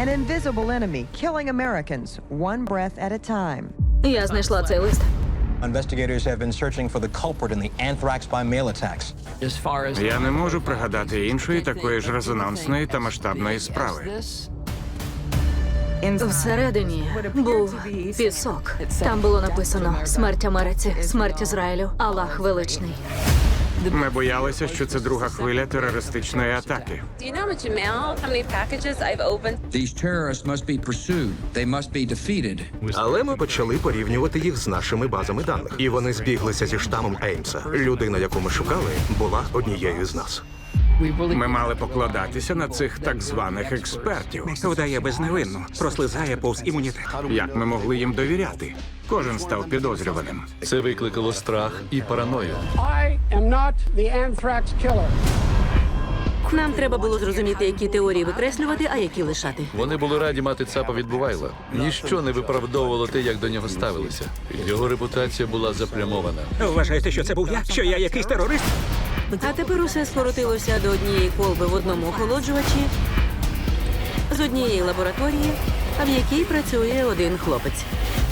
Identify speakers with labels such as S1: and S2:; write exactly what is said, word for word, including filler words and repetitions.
S1: An invisible enemy killing Americans one breath at a time.
S2: Я знайшла цей лист.
S3: Investigators have been searching for the culprit in the anthrax by mail attacks.
S4: As far as
S5: Я не можу пригадати іншої такої ж резонансної та масштабної справи.
S2: Всередині був пісок. Там було написано «Смерть Америці, смерть Ізраїлю, Аллах величний».
S5: Ми боялися, що це друга хвиля терористичної атаки.
S6: Do you know how much mail, how many packages I've opened?
S4: these terrorists must be pursued, they must be defeated.
S7: Але ми почали порівнювати їх з нашими базами даних. І вони збіглися зі штамом Еймса. Людина, яку ми шукали, була однією з нас.
S5: Ми мали покладатися на цих так званих експертів.
S8: Вдає безневинну, прослизає повз імунітет.
S5: Як ми могли їм довіряти? Кожен став підозрюваним.
S9: Це викликало страх і параною.
S10: I am not the anthrax killer.
S2: Нам треба було зрозуміти, які теорії викреслювати, а які лишати.
S9: Вони були раді мати цапа від Бувайла. Ніщо не виправдовувало те, як до нього ставилися. Його репутація була запрямована.
S8: Вважаєте, що це був я? Що я якийсь терорист?
S2: А тепер усе скоротилося до однієї колби в одному охолоджувачі, з однієї лабораторії, а в якій працює один хлопець.